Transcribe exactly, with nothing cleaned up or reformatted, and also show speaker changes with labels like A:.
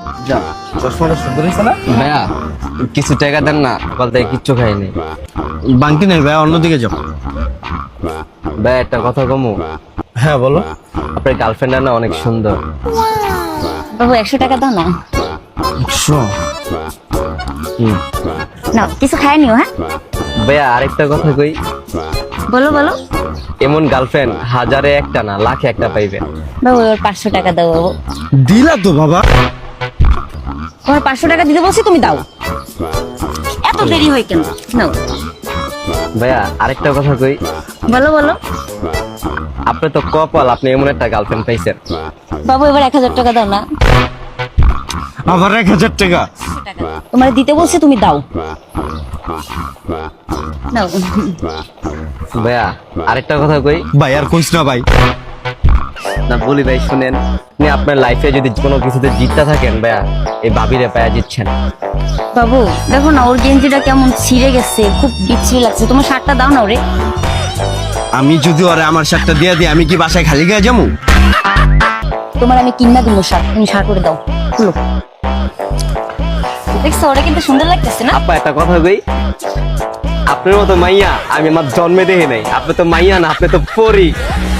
A: যা চশমাটা সুন্দর হয়েছে না
B: ভাইয়া কিছু টাকা দেন না, সকাল থেকে কিচ্ছু খাইনি।
A: বাংটি নেই ভাই, অন্যদিকে যাও।
B: ভাই একটা কথা কমু,
A: হ্যাঁ বলো।
B: আপনার গার্লফ্রেন্ড না অনেক সুন্দর।
C: বাবু একশো টাকা দাও না।
A: একশো?
B: হুম।
C: না কিছু খায় নিও। হ্যাঁ
B: ভাইয়া আরেকটা কথা কই,
C: বলো বলো।
B: এমন গার্লফ্রেন্ড হাজারে একটা না লাখে একটা পাইবেন।
C: বাবু এবার পাঁচশো টাকা দাও বাবু।
A: দিলা তো বাবা।
C: তোমার পাঁচশো টাকা দিতে বলছি, তুমি দাও। এত দেরি হয় কেন? নাও।
B: ভাইয়া আরেকটা কথা কই,
C: বলো বলো।
B: আপনি তো কপাল, আপনি এমন একটা গার্লফ্রেন্ড পাইছেন।
C: বাবু এবার এক হাজার টাকা দাও না।
A: আবার এক হাজার টাকা?
C: তোমার দিতে বলছি, তুমি দাও। নাও।
B: ভাইয়া আরেকটা কথা কই,
A: ভাই আর কইস না ভাই।
B: না বলি ভাই শুনেন, আপনি আপনার লাইফে যদি কোনো কিছুতে জিততে থাকেন ভাইয়া, এই ভাবিরে পায়া জিতছেন।
C: বাবু দেখো না, ওর গেঞ্জিটা কেমন ছিঁড়ে গেছে, খুব বিচ্ছিরি লাগছে। তোমার শার্টটা দাও না ওরে।
A: আমি যদি ওরে আমার শার্টটা দিয়ে দিই, আমি কি বাসায় খালি গায়ে যাবো?
C: তোমার আমি কিনা দিব শার্ট, তুমি শার্ট করে দাও। খুলো। দেখছো ওটা কিন্তু সুন্দর লাগতেছে না?
B: আপা একটা কথা কই, আপনার মতো মাইয়া আমি আমার জন্মে দেখি নাই। আপনি তো মাইয়া না, আপনি তো পরি।